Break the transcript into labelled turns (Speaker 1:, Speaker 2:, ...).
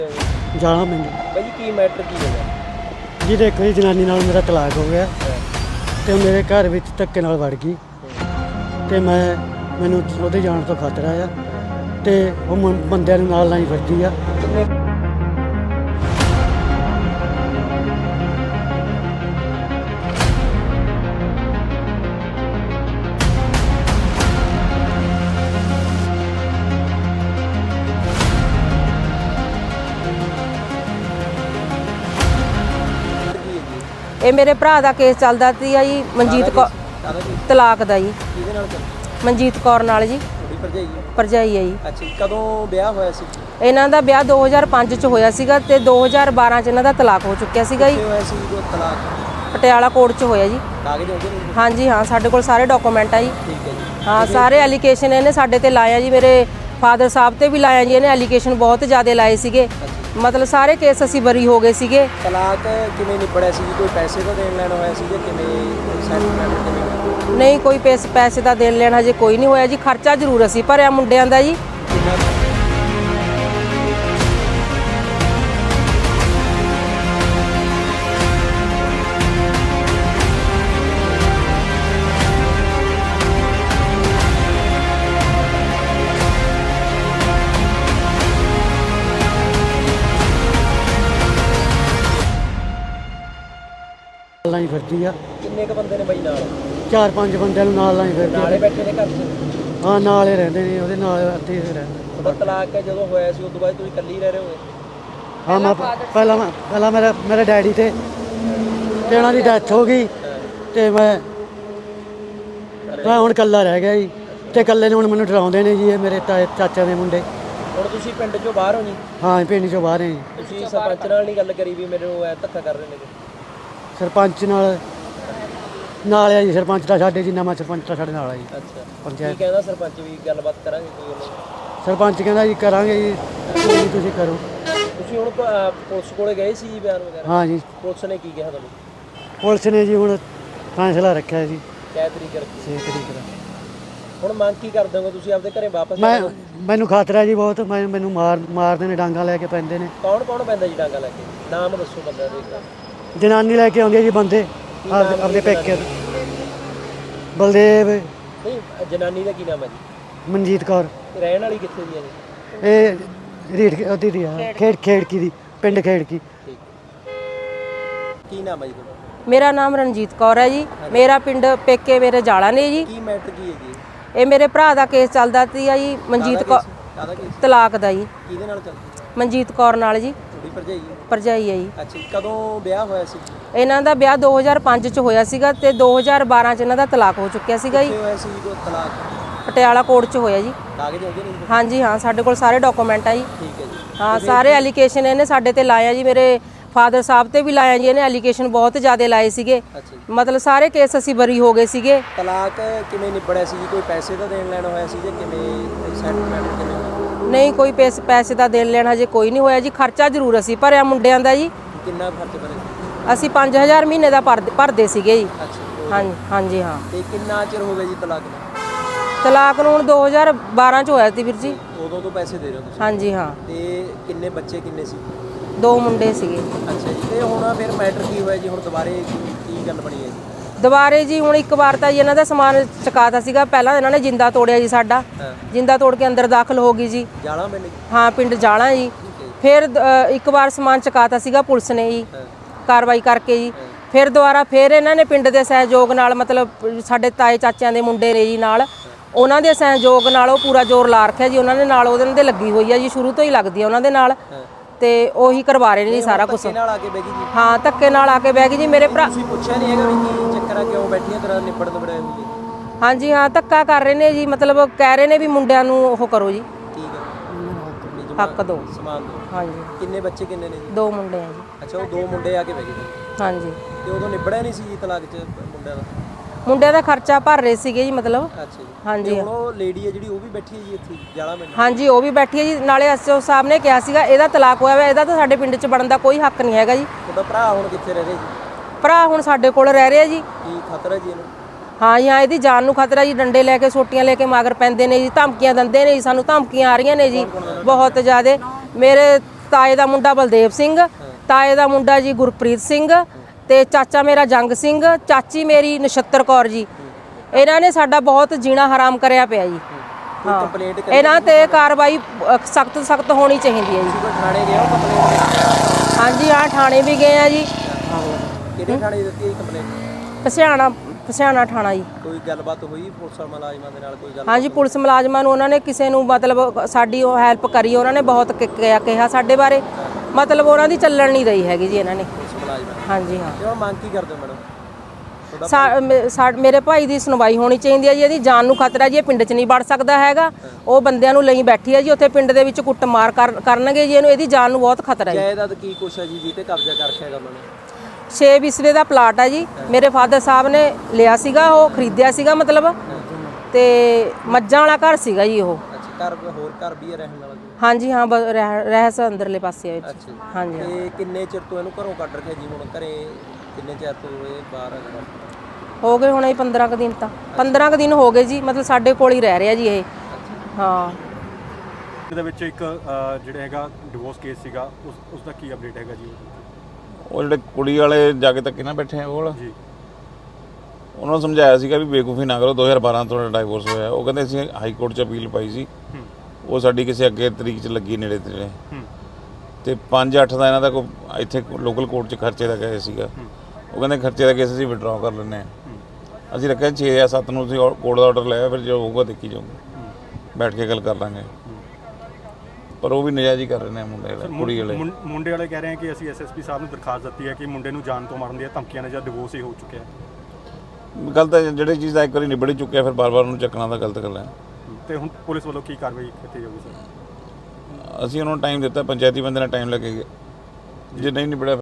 Speaker 1: ਜਾਣਾ ਮੈਨੂੰ
Speaker 2: ਬਾਈ ਜੀ ਕੀ ਮੈਟਰ ਕੀ ਹੋਇਆ?
Speaker 1: ਜੀ ਦੇਖੋ ਜੀ, ਜਨਾਨੀ ਨਾਲ ਮੇਰਾ ਤਲਾਕ ਹੋ ਗਿਆ ਤੇ ਉਹ ਮੇਰੇ ਘਰ ਵਿੱਚ ਧੱਕੇ ਨਾਲ ਵੜ ਗਈ ਤੇ ਮੈਨੂੰ ਉਹਦੇ ਜਾਣ ਤੋਂ ਖਤਰਾ ਆ ਤੇ ਉਹ ਬੰਦਿਆਂ ਨੂੰ ਨਾਲ ਲਾਈ ਫਿਰਦੀ ਆ।
Speaker 3: ਇਹ ਮੇਰੇ ਭਰਾ ਦਾ ਕੇਸ ਚੱਲਦਾ ਸੀ ਆ ਜੀ, ਮਨਜੀਤ ਕੌਰ ਤਲਾਕ ਦਾ ਜੀ।
Speaker 2: ਕਿਹਦੇ ਨਾਲ ਚੱਲ?
Speaker 3: ਮਨਜੀਤ ਕੌਰ ਨਾਲ ਜੀ,
Speaker 2: ਤੁਹਾਡੀ ਭਰਜਾਈ ਹੈ?
Speaker 3: ਭਰਜਾਈ ਹੈ ਜੀ।
Speaker 2: ਅੱਛਾ ਜੀ, ਕਦੋਂ ਵਿਆਹ ਹੋਇਆ ਸੀ?
Speaker 3: ਇਹਨਾਂ ਦਾ ਵਿਆਹ 2005 ਚ ਹੋਇਆ ਸੀਗਾ ਤੇ 2012 ਚ ਇਹਨਾਂ ਦਾ ਤਲਾਕ ਹੋ ਚੁੱਕਿਆ ਸੀਗਾ ਜੀ।
Speaker 2: ਕਿੱਥੇ ਹੋਇਆ ਸੀ ਜਦੋਂ ਤਲਾਕ?
Speaker 3: ਪਟਿਆਲਾ ਕੋਰਟ ਚ ਹੋਇਆ ਜੀ।
Speaker 2: ਕਾਗਜ਼ ਹੋਗੇ ਨੇ?
Speaker 3: ਹਾਂਜੀ ਹਾਂ, ਸਾਡੇ ਕੋਲ ਸਾਰੇ ਡਾਕੂਮੈਂਟ ਆ ਜੀ।
Speaker 2: ਠੀਕ ਹੈ ਜੀ।
Speaker 3: ਹਾਂ, ਸਾਰੇ ਐਲੀਗੇਸ਼ਨ ਇਹਨੇ ਸਾਡੇ ਤੇ ਲਾਇਆ ਜੀ, ਮੇਰੇ ਫਾਦਰ ਸਾਹਿਬ ਤੇ ਵੀ ਲਾਇਆ ਜੀ। ਇਹਨੇ ਐਲੀਗੇਸ਼ਨ ਬਹੁਤ ਜ਼ਿਆਦਾ ਲਾਏ ਸੀਗੇ, ਮਤਲਬ ਸਾਰੇ ਕੇਸ ਅਸੀਂ ਬਰੀ ਹੋ ਗਏ ਸੀਗੇ।
Speaker 2: ਤਲਾਕ ਕਿਵੇਂ ਨਿਬੜਿਆ ਸੀ ਜੀ? ਕੋਈ ਪੈਸੇ ਦਾ ਦੇਣ ਲੈਣ ਹੋਇਆ ਸੀ ਜਾਂ ਕਿਵੇਂ ਸੈਟਲਮੈਂਟ ਕਿਵੇਂ?
Speaker 3: ਨਹੀਂ, ਕੋਈ ਪੈਸੇ ਦਾ ਦੇਣ ਲੈਣ ਹਜੇ ਕੋਈ ਨਹੀਂ ਹੋਇਆ ਜੀ। ਖਰਚਾ ਜ਼ਰੂਰ ਅਸੀਂ ਭਰਿਆ ਮੁੰਡਿਆਂ ਦਾ ਜੀ।
Speaker 2: ਕਿੰਨਾ?
Speaker 1: ਨਾਲ ਲਾਈ ਫਿਰਦੀ ਆ।
Speaker 2: ਕਿੰਨੇ ਕ ਬੰਦੇ ਨੇ ਬਾਈ ਨਾਲ?
Speaker 1: 4-5 ਬੰਦਿਆਂ ਨੂੰ ਨਾਲ ਲਾਈ ਫਿਰਦੀ
Speaker 2: ਨਾਲੇ
Speaker 1: ਆ।
Speaker 2: ਬੈਠੇ ਨੇ ਘਰ 'ਚ?
Speaker 1: ਹਾਂ, ਨਾਲ ਹੀ ਰਹਿੰਦੇ ਨੇ, ਉਹਦੇ ਨਾਲ ਅੱਧੇ ਹੀ ਰਹਿੰਦੇ।
Speaker 2: ਤੁਹਾਡਾ ਤਲਾਕ ਹੈ ਜਦੋਂ ਹੋਇਆ ਸੀ ਉਸ ਤੋਂ ਬਾਅਦ ਤੁਸੀਂ ਇਕੱਲੀ ਰਹਿ ਰਹੇ ਹੋਗੇ?
Speaker 1: ਹਾਂ, ਮੈਂ ਪਹਿਲਾਂ ਮੇਰੇ ਡੈਡੀ ਤੇ ਉਹਨਾਂ ਦੀ ਡੈਥ ਹੋ ਗਈ ਤੇ ਮੈਂ ਹੁਣ ਇਕੱਲਾ ਰਹਿ ਗਿਆ ਜੀ। ਤੇ ਇਕੱਲੇ ਨੇ ਹੁਣ ਮੈਨੂੰ ਡਰਾਉਂਦੇ ਨੇ ਜੀ, ਇਹ ਮੇਰੇ ਚਾਚਾ ਦੇ ਮੁੰਡੇ।
Speaker 2: ਹੁਣ ਤੁਸੀਂ ਪਿੰਡ 'ਚੋਂ ਬਾਹਰ ਹੋ ਜੀ?
Speaker 1: ਹਾਂ, ਪਿੰਡ 'ਚੋਂ ਬਾਹਰ ਹੈ ਜੀ।
Speaker 2: ਤੁਸੀਂ ਸਰਪੰਚ ਨਾਲ ਨਹੀਂ ਗੱਲ ਕਰੀ ਵੀ ਮੈਨੂੰ ਐ ਧੱਕਾ ਕਰ ਰਹੇ ਨੇ?
Speaker 1: ਸਰਪੰਚ ਨਾਲ ਆ ਜੀ। ਸਰਪੰਚ ਦਾ ਸਾਡੇ ਜਿੰਨਾ ਮੈਂ ਸਰਪੰਚ ਦਾ ਸਾਡੇ ਨਾਲ ਆ ਜੀ।
Speaker 2: ਅੱਛਾ, ਕੀ
Speaker 1: ਪੰਚਾਇਤ
Speaker 2: ਕਹਿੰਦਾ ਸਰਪੰਚ? ਵੀ ਗੱਲਬਾਤ ਕਰਾਂਗੇ ਕੋਈ ਉਹਨੂੰ?
Speaker 1: ਸਰਪੰਚ ਕਹਿੰਦਾ ਜੀ ਕਰਾਂਗੇ ਜੀ, ਕੋਈ ਨਹੀਂ ਤੁਸੀਂ ਕਰੋ।
Speaker 2: ਤੁਸੀਂ ਹੁਣ ਪੁਲਿਸ ਕੋਲੇ ਗਏ ਸੀ ਜੀ ਬਿਆਨ ਵਗੈਰਾ?
Speaker 1: ਹਾਂ ਜੀ,
Speaker 2: ਪੁਲਿਸ ਨੇ ਕੀ ਕਿਹਾ ਤੁਹਾਨੂੰ?
Speaker 1: ਪੁਲਿਸ ਨੇ ਜੀ ਹੁਣ ਫੈਸਲਾ ਰੱਖਿਆ ਜੀ
Speaker 2: ਕਿਹ ਤਰੀਕ ਰੱਖੀ?
Speaker 1: 6 ਤਰੀਕ ਦਾ।
Speaker 2: ਹੁਣ ਮੰਗ ਕੀ ਕਰ ਦੋਗੇ ਤੁਸੀਂ? ਆਪਦੇ ਘਰੇ ਵਾਪਸ
Speaker 1: ਮੈਨੂੰ ਖਤਰਾ ਜੀ ਬਹੁਤ। ਮੈਨੂੰ ਮਾਰਦੇ ਨੇ, ਡਾਂਗਾ ਲੈ ਕੇ ਪੈਂਦੇ ਨੇ।
Speaker 2: ਕੌਣ ਕੌਣ ਪੈਂਦਾ ਜੀ ਡਾਂਗਾ ਲੈ ਕੇ? ਨਾਮ ਦੱਸੋ ਬੰਦਾ ਦੇਖਦਾ।
Speaker 1: ਜਨਾਨੀ ਲੈ ਕੇ ਆਉਂਦੀ ਹੈ ਜੀ ਬੰਦੇ ਆਪਦੇ ਪੇਕੇ। ਬਲਦੇਵ।
Speaker 2: ਨਹੀਂ, ਜਨਾਨੀ ਦਾ ਕੀ ਨਾਮ ਹੈ ਜੀ?
Speaker 1: ਮਨਜੀਤ ਕੌਰ।
Speaker 2: ਰਹਿਣ ਵਾਲੀ ਕਿੱਥੇ ਦੀ ਹੈ ਜੀ?
Speaker 1: ਇਹ ਰੀਠ ਉਹਦੀ ਦੀ ਆ, ਖੇੜਕੀ ਦੀ, ਪਿੰਡ ਖੇੜਕੀ।
Speaker 2: ਠੀਕ। ਕੀ ਨਾਮ ਹੈ ਜੀ ਤੁਹਾਡਾ?
Speaker 3: ਮੇਰਾ ਨਾਮ ਰਣਜੀਤ ਕੌਰ ਹੈ ਜੀ। ਮੇਰਾ ਪਿੰਡ ਪੇਕੇ ਮੇਰੇ ਜਾਲਾ ਨੇ ਜੀ।
Speaker 2: ਕੀ ਮੈਟਰ ਕੀ ਹੈ ਜੀ?
Speaker 3: ਇਹ ਮੇਰੇ ਭਰਾ ਦਾ ਕੇਸ ਚੱਲਦਾ ਸੀ ਆ ਜੀ, ਮਨਜੀਤ ਕੌਰ
Speaker 2: ਕਾਹਦਾ ਕੇਸ?
Speaker 3: ਤਲਾਕ ਦਾ ਜੀ।
Speaker 2: ਕਿਹਦੇ ਨਾਲ ਚੱਲਦਾ?
Speaker 3: ਮਨਜੀਤ ਕੌਰ ਨਾਲ ਜੀ,
Speaker 2: ਤੁਹਾਡੀ ਭਰਜਾਈ ਹੈ?
Speaker 3: ਭਰਜਾਈ ਹੈ ਜੀ।
Speaker 2: ਅੱਛਾ ਜੀ, ਕਦੋਂ ਵਿਆਹ ਹੋਇਆ ਸੀ?
Speaker 3: ਇਹਨਾਂ ਦਾ ਵਿਆਹ 2005 ਚ ਹੋਇਆ ਸੀਗਾ ਤੇ 2012 ਚ ਇਹਨਾਂ ਦਾ ਤਲਾਕ ਹੋ ਚੁੱਕਿਆ ਸੀਗਾ ਜੀ।
Speaker 2: ਕਿੱਥੇ ਹੋਇਆ ਸੀ ਜਦੋਂ ਤਲਾਕ?
Speaker 3: ਪਟਿਆਲਾ ਕੋਰਟ ਚ ਹੋਇਆ ਜੀ।
Speaker 2: ਕਾਗਜ਼ ਹੋਗੇ ਨੇ?
Speaker 3: ਹਾਂਜੀ ਹਾਂ, ਸਾਡੇ ਕੋਲ ਸਾਰੇ ਡਾਕੂਮੈਂਟ ਆ ਜੀ।
Speaker 2: ਠੀਕ ਹੈ ਜੀ।
Speaker 3: ਹਾਂ, ਸਾਰੇ ਐਲੀਗੇਸ਼ਨ ਇਹਨੇ ਸਾਡੇ ਤੇ ਲਾਇਆ ਜੀ, ਮੇਰੇ ਫਾਦਰ ਸਾਹਿਬ ਤੇ ਵੀ ਲਾਇਆ ਜੀ। ਇਹਨੇ ਐਲੀਗੇਸ਼ਨ ਬਹੁਤ ਜ਼ਿਆਦਾ ਲਾਏ ਸੀਗੇ,
Speaker 2: ਅੱਛਾ ਜੀ।
Speaker 3: ਮਤਲਬ ਸਾਰੇ ਕੇਸ ਅਸੀਂ ਬਰੀ ਹੋ ਗਏ ਸੀਗੇ।
Speaker 2: ਤਲਾਕ ਕਿਵੇਂ ਨਿਬੜਿਆ ਸੀ ਜੀ? ਕੋਈ ਪੈਸੇ ਦਾ ਦੇਣ ਲੈਣ ਹੋਇਆ ਸੀ ਜਾਂ ਕਿਵੇਂ ਸੈਟਲਮੈਂਟ ਕਿਵੇਂ ਹੋਇਆ?
Speaker 3: ਨਹੀਂ, ਕੋਈ ਪੈਸੇ ਦਾ ਦੇਣ ਲੈਣ ਹਜੇ ਕੋਈ ਨਹੀਂ ਹੋਇਆ ਜੀ। ਖਰਚਾ ਜ਼ਰੂਰ ਅਸੀਂ ਭਰਿਆ ਮੁੰਡਿਆਂ ਦਾ ਜੀ।
Speaker 2: ਕਿੰਨਾ ਖਰਚ ਭਰੇ ਸੀ?
Speaker 3: ਅਸੀਂ 5000 ਮਹੀਨੇ ਦਾ ਭਰਦੇ ਸੀਗੇ ਜੀ।
Speaker 2: ਅੱਛਾ।
Speaker 3: ਹਾਂਜੀ ਹਾਂਜੀ ਹਾਂ।
Speaker 2: ਤੇ ਕਿੰਨਾ ਚਿਰ ਹੋ ਗਿਆ ਜੀ ਤਲਾਕ ਨੂੰ?
Speaker 3: ਤਲਾਕ ਨੂੰ ਹੁਣ 2012 ਚ ਹੋਇਆ ਸੀ ਵੀਰ ਜੀ।
Speaker 2: ਉਦੋਂ ਤੋਂ ਪੈਸੇ ਦੇ ਰਹੇ ਹੋ ਤੁਸੀਂ?
Speaker 3: ਹਾਂਜੀ ਹਾਂ।
Speaker 2: ਤੇ ਕਿੰਨੇ ਬੱਚੇ ਕਿੰਨੇ ਸੀ?
Speaker 3: 2 ਮੁੰਡੇ ਸੀਗੇ।
Speaker 2: ਅੱਛਾ ਜੀ। ਤੇ ਹੁਣ ਫਿਰ ਮੈਟਰ ਕੀ ਹੋਇਆ ਜੀ? ਹੁਣ ਦੁਬਾਰੇ ਕੀ ਗੱਲ ਬਣੀ ਹੈ ਜੀ?
Speaker 3: ਦੁਬਾਰੇ ਜੀ ਹੁਣ ਇੱਕ ਵਾਰ ਤਾਂ ਜੀ ਇਹਨਾਂ ਦਾ ਸਮਾਨ ਚੁਕਾਤਾ ਸੀਗਾ। ਪਹਿਲਾਂ ਇਹਨਾਂ ਨੇ ਜਿੰਦਾ ਤੋੜਿਆ ਜੀ ਸਾਡਾ।
Speaker 2: ਹਾਂ।
Speaker 3: ਜਿੰਦਾ ਤੋੜ ਕੇ ਅੰਦਰ ਦਾਖਲ ਹੋ ਗਈ ਜੀ।
Speaker 2: ਜਾਲਾ ਮਿਲ ਗਈ?
Speaker 3: ਹਾਂ, ਪਿੰਡ ਜਾਲਾ ਜੀ।
Speaker 2: ਠੀਕ ਹੈ ਜੀ।
Speaker 3: ਫਿਰ ਇੱਕ ਵਾਰ ਸਮਾਨ ਚੁਕਾਤਾ ਸੀਗਾ ਪੁਲਿਸ ਨੇ ਜੀ,
Speaker 2: ਹਾਂ।
Speaker 3: ਕਾਰਵਾਈ ਕਰਕੇ ਜੀ। ਫਿਰ ਦੁਬਾਰਾ ਫਿਰ ਇਹਨਾਂ ਨੇ ਪਿੰਡ ਦੇ ਸਹਿਯੋਗ ਨਾਲ, ਮਤਲਬ ਸਾਡੇ ਤਾਏ ਚਾਚਿਆਂ ਦੇ ਮੁੰਡੇ ਨੇ ਜੀ ਨਾਲ, ਉਹਨਾਂ ਦੇ ਸਹਿਯੋਗ ਨਾਲ ਉਹ ਪੂਰਾ ਜ਼ੋਰ ਲਾ ਰੱਖਿਆ ਜੀ। ਉਹਨਾਂ ਦੇ ਨਾਲ ਉਹਦੇ ਦੇ ਲੱਗੀ ਹੋਈ ਆ ਜੀ, ਸ਼ੁਰੂ ਤੋਂ ਹੀ ਲੱਗਦੀ ਆ ਉਹਨਾਂ ਦੇ ਨਾਲ। ਤੇ ਉਹੀ ਕਰਵਾ ਰਹੇ ਨੇ ਜੀ ਸਾਰਾ ਕੁਝ।
Speaker 2: ਧੱਕੇ ਨਾਲ ਆ ਕੇ ਬਹਿ ਗਈ ਜੀ?
Speaker 3: ਹਾਂ, ਧੱਕੇ ਨਾਲ ਆ ਕੇ ਬਹਿ ਗਈ ਜੀ। ਮੇਰੇ ਭਰਾ
Speaker 2: ਤੁਸੀਂ ਪੁੱਛਿਆ ਨਹੀਂ ਹੈਗਾ ਵੀ ਕੀ ਚੱਕਰ ਆ, ਕਿਉਂ ਬੈਠੀਆਂ ਤੇਰਾ ਨਿਬੜ ਦਬੜਿਆ ਹੋਈ?
Speaker 3: ਹਾਂਜੀ ਹਾਂ, ਧੱਕਾ ਕਰ ਰਹੇ ਨੇ ਜੀ, ਮਤਲਬ ਕਹਿ ਰਹੇ ਨੇ ਵੀ ਮੁੰਡਿਆਂ ਨੂੰ ਉਹ ਕਰੋ ਜੀ,
Speaker 2: ਠੀਕ ਹੈ।
Speaker 3: ਹੱਕ ਦਿਓ।
Speaker 2: ਸਮਾਨ ਦਿਓ।
Speaker 3: ਹਾਂਜੀ,
Speaker 2: ਕਿੰਨੇ ਬੱਚੇ ਕਿੰਨੇ ਨੇ ਜੀ?
Speaker 3: 2 ਮੁੰਡੇ ਆ ਜੀ।
Speaker 2: ਅੱਛਾ, ਉਹ 2 ਮੁੰਡੇ ਆ ਕੇ ਬਹਿ ਗਏ ਜੀ?
Speaker 3: ਹਾਂਜੀ।
Speaker 2: ਤੇ ਉਦੋਂ ਨਿਬੜਿਆ ਨਹੀਂ ਸੀ ਜੀ ਤਲਾਕ ਚ ਮੁੰਡਿਆਂ ਦਾ?
Speaker 3: ਮੁੰਡਿਆਂ ਦਾ ਖਰਚਾ ਭਰ ਰਹੇ ਸੀਗੇ ਜੀ, ਮਤਲਬ।
Speaker 2: ਅੱਛਾ ਜੀ।
Speaker 3: ਹਾਂਜੀ।
Speaker 2: ਹੁਣ ਉਹ ਲੇਡੀ ਹੈ ਜਿਹੜੀ, ਉਹ ਵੀ ਬੈਠੀ ਹੈ ਜੀ ਇੱਥੇ ਜਾਲਾ ਮਿਲ?
Speaker 3: ਹਾਂਜੀ, ਉਹ ਵੀ ਬੈਠੀ ਹੈ ਜੀ। ਨਾਲੇ ਐਸਓ ਸਾਹਿਬ ਨੇ ਕਿਹਾ ਸੀਗਾ ਇਹਦਾ ਤਲਾਕ ਹੋਇਆ ਵਾ, ਇਹਦਾ ਤਾਂ ਸਾਡੇ ਪਿੰਡ 'ਚ ਬਣਨ ਦਾ ਕੋਈ ਹੱਕ ਨਹੀਂ ਹੈਗਾ ਜੀ।
Speaker 2: ਤੁਹਾਡਾ ਭਰਾ ਹੁਣ ਕਿੱਥੇ ਰਹਿ ਰਿਹਾ ਜੀ?
Speaker 3: ਭਰਾ ਹੁਣ ਸਾਡੇ ਕੋਲ ਰਹਿ ਰਿਹਾ ਜੀ।
Speaker 2: ਕੀ ਖਤਰਾ ਜੀ ਇਹਨੂੰ?
Speaker 3: ਹਾਂ ਜੀ ਹਾਂ, ਇਹਦੀ ਜਾਨ ਨੂੰ ਖਤਰਾ ਜੀ। ਡੰਡੇ ਲੈ ਕੇ, ਸੋਟੀਆਂ ਲੈ ਕੇ ਮਗਰ ਪੈਂਦੇ ਨੇ ਜੀ, ਧਮਕੀਆਂ ਦਿੰਦੇ ਨੇ ਜੀ, ਸਾਨੂੰ ਧਮਕੀਆਂ ਆ ਰਹੀਆਂ ਨੇ ਜੀ ਬਹੁਤ ਜ਼ਿਆਦੇ। ਮੇਰੇ ਤਾਏ ਦਾ ਮੁੰਡਾ ਬਲਦੇਵ ਸਿੰਘ, ਤਾਏ ਦਾ ਮੁੰਡਾ ਜੀ ਗੁਰਪ੍ਰੀਤ ਸਿੰਘ ਤੇ ਚਾਚਾ ਮੇਰਾ ਜੰਗ ਸਿੰਘ, ਚਾਚੀ ਮੇਰੀ ਨਛੱਤਰ ਕੌਰ ਜੀ। ਇਹਨਾਂ ਨੇ ਸਾਡਾ ਬਹੁਤ ਜੀਣਾ ਹਰਾਮ ਕਰਿਆ ਪਿਆ ਜੀ।
Speaker 2: ਕੋਈ ਕੰਪਲੇਂਟ ਕਰੀ
Speaker 3: ਇਹਨਾਂ ਤੇ ਕਾਰਵਾਈ ਸਖਤ ਹੋਣੀ ਚਾਹੀਦੀ ਹੈ ਜੀ।
Speaker 2: ਕੋਈ ਥਾਣੇ ਗਏ ਹੋ ਕੰਪਲੇਂਟ?
Speaker 3: ਹਾਂਜੀ ਹਾਂ, ਥਾਣੇ ਵੀ ਗਏ ਆ ਜੀ।
Speaker 2: ਕਿਹੜੇ ਥਾਣੇ ਦਿੱਤੀ ਹੈ ਕੰਪਲੇਂਟ?
Speaker 3: ਪਸਿਆਣਾ ਥਾਣਾ ਜੀ।
Speaker 2: ਕੋਈ ਗੱਲਬਾਤ ਹੋਈ ਪੁਲਿਸ ਮੁਲਾਜ਼ਮਾਂ ਦੇ ਨਾਲ? ਕੋਈ ਗੱਲ?
Speaker 3: ਹਾਂਜੀ, ਪੁਲਿਸ ਮੁਲਾਜ਼ਮਾਂ ਨੂੰ ਉਹਨਾਂ ਨੇ ਕਿਸੇ ਨੂੰ ਮਤਲਬ ਸਾਡੀ ਉਹ ਹੈਲਪ ਕਰੀ, ਉਹਨਾਂ ਨੇ ਬਹੁਤ ਕਿਹਾ ਸਾਡੇ ਬਾਰੇ, ਮਤਲਬ ਉਹਨਾਂ ਦੀ ਚੱਲਣ ਨਹੀਂ ਰਹੀ ਹੈਗੀ ਜੀ ਇਹਨਾਂ ਨੇ।
Speaker 2: ਪੁਲਿਸ ਮੁਲਾਜ਼ਮਾਂ
Speaker 3: ਹਾਂਜੀ ਹਾਂ।
Speaker 2: ਕਿਉਂ ਮੰਗ ਕੀ ਕਰਦੇ ਹੋ ਮੈਡਮ?
Speaker 3: ਮੇਰੇ ਭਾਈ ਦੀ ਸੁਣਵਾਈ ਹੋਣੀ ਚਾਹੀਦੀ ਹੈ ਜੀ। ਇਹਦੀ ਜਾਨ ਨੂੰ ਖਤਰਾ ਜੀ, ਇਹ ਪਿੰਡ 'ਚ ਨਹੀਂ ਵੜ ਸਕਦਾ ਹੈਗਾ। ਉਹ ਬੰਦਿਆਂ ਨੂੰ ਲਈ ਬੈਠੀ ਹੈ ਜੀ ਉੱਥੇ ਪਿੰਡ ਦੇ ਵਿੱਚ, ਕੁੱਟਮਾਰ ਕਰਨਗੇ ਜੀ ਇਹਨੂੰ। ਇਹਦੀ ਜਾਨ ਨੂੰ ਬਹੁਤ ਖਤਰਾ ਹੈ ਜੀ।
Speaker 2: ਜਾਇਦਾਦ ਕੀ ਕੁਛ ਹੈ ਜੀ ਜਿਹਤੇ ਕਬਜ਼ਾ ਕਰ ਰੱਖਿਆ ਹੈਗਾ ਉਹਨਾਂ ਨੇ?
Speaker 3: 6 ਵਿਸਵੇ ਦਾ ਪਲਾਟ ਹੈ ਜੀ। ਮੇਰੇ ਫਾਦਰ ਸਾਹਿਬ ਨੇ ਲਿਆ ਸੀਗਾ, ਉਹ ਖਰੀਦਿਆ ਸੀਗਾ ਮਤਲਬ, ਤੇ ਮੱਝਾਂ ਵਾਲਾ ਘਰ ਸੀਗਾ ਜੀ ਉਹ।
Speaker 2: ਅੱਛਾ, ਘਰ ਹੋਰ ਘਰ ਵੀ ਹੈ ਰਹਿਣ ਵਾਲਾ ਜੀ?
Speaker 3: ਹਾਂਜੀ ਹਾਂ, ਰਹਿਸ ਅੰਦਰਲੇ ਪਾਸੇ ਵਿੱਚ।
Speaker 2: ਅੱਛਾ ਜੀ।
Speaker 3: ਹਾਂਜੀ।
Speaker 2: ਤੇ ਕਿੰਨੇ ਚਿਰ ਤੋਂ ਇਹਨੂੰ ਘਰੋਂ ਕੱਢ ਰੱਖਿਆ ਜੀ? ਹੁਣ ਘਰੇ ਕਿੰਨੇ ਚਿਰ ਤੋਂ ਇਹ ਬਾਹਰ ਹੈਗਾ?
Speaker 3: ਹੋ ਗਏ ਹੁਣ ਇਹ 15 ਕੁ ਦਿਨ, ਤਾਂ 15 ਕੁ ਦਿਨ ਹੋ ਗਏ ਜੀ, ਮਤਲਬ ਸਾਡੇ ਕੋਲ ਹੀ ਰਹਿ ਰਿਹਾ ਜੀ ਇਹ। ਹਾਂ।
Speaker 4: ਇਹਦੇ ਵਿੱਚ ਇੱਕ ਜਿਹੜਾ ਹੈਗਾ ਡਿਵੋਰਸ ਕੇਸ ਸੀਗਾ, ਉਸ ਦਾ ਕੀ ਅਪਡੇਟ ਹੈਗਾ ਜੀ?
Speaker 5: ਉਹ ਜਿਹੜੇ ਕੁੜੀ ਵਾਲੇ ਜਾ ਕੇ ਧੱਕੇ ਨਾਲ ਬੈਠੇ ਆ ਕੋਲ,
Speaker 4: ਜੀ
Speaker 5: ਉਹਨਾਂ ਨੂੰ ਸਮਝਾਇਆ ਸੀਗਾ ਵੀ ਬੇਵਕੂਫੀ ਨਾ ਕਰੋ। 2012 ਤੋਂ ਡਾਈਵੋਰਸ ਹੋਇਆ। ਉਹ ਕਹਿੰਦੇ ਅਸੀਂ ਹਾਈ ਕੋਰਟ 'ਚ ਅਪੀਲ ਪਾਈ ਸੀ, ਉਹ ਸਾਡੀ ਕਿਸੇ ਅੱਗੇ ਤਰੀਕ 'ਚ ਲੱਗੀ ਨੇੜੇ ਤੇੜੇ, ਤੇ 5-8 ਦਾ ਇਹਨਾਂ ਦਾ ਕੋਈ ਇੱਥੇ ਲੋਕਲ ਕੋਰਟ 'ਚ ਖਰਚੇ ਦਾ ਕੇਸ ਸੀਗਾ। ਉਹ ਕਹਿੰਦੇ ਖਰਚੇ ਦਾ ਕੇਸ ਅਸੀਂ ਵਿਡਰਾਅ ਕਰ ਲੈਂਦੇ ਹਾਂ। ਅਸੀਂ ਰੱਖਿਆ 6 ਜਾਂ 7 ਨੂੰ, ਤੁਸੀਂ ਕੋਰਟ ਦਾ ਆਰਡਰ ਲਿਆ, ਫਿਰ ਜੋ ਹੋਊਗਾ ਦੇਖੀ ਜਾਊਗੀ, ਬੈਠ ਕੇ ਗੱਲ ਕਰ ਲਾਂਗੇ। ਪਰ ਉਹ ਵੀ ਨਜਾਇਜ਼ ਹੀ ਕਰ ਰਹੇ ਨੇ ਮੁੰਡੇ ਵਾਲੇ, ਕੁੜੀ ਵਾਲੇ।
Speaker 4: ਮੁੰਡੇ ਵਾਲੇ ਕਹਿ ਰਹੇ ਕਿ ਅਸੀਂ ਐਸਐਸਪੀ ਸਾਹਿਬ ਨੂੰ ਦਰਖਾਸਤ ਦਿੱਤੀ ਹੈ ਕਿ ਮੁੰਡੇ ਨੂੰ ਜਾਨ ਤੋਂ ਮਾਰਨ ਦੀਆਂ ਧਮਕੀਆਂ ਨੇ ਜਾਂ ਡਿਵੋਰਸ ਹੀ ਹੋ ਚੁੱਕਿਆ।
Speaker 5: ਗਲਤ ਹੈ, ਜਿਹੜੀ ਚੀਜ਼ ਦਾ ਇੱਕ ਵਾਰੀ ਨਿਬੜ ਹੀ ਚੁੱਕਿਆ, ਫਿਰ ਬਾਰ-ਬਾਰ ਉਹਨੂੰ ਚੱਕਣਾ ਤਾਂ ਗਲਤ ਗੱਲ ਹੈ।
Speaker 4: ਤੇ ਹੁਣ ਪੁਲਿਸ ਵੱਲੋਂ ਕੀ ਕਾਰਵਾਈ ਕੀਤੀ ਜਾਊਗੀ ਸਰ?
Speaker 5: ਅਸੀਂ ਉਹਨਾਂ ਨੂੰ ਟਾਈਮ ਦਿੱਤਾ, ਪੰਚਾਇਤੀ ਬੰਦੇ ਨੇ ਟਾਈਮ ਲੱਗੇਗਾ, ਜੇ ਨਹੀਂ ਨਿਬੜਿਆ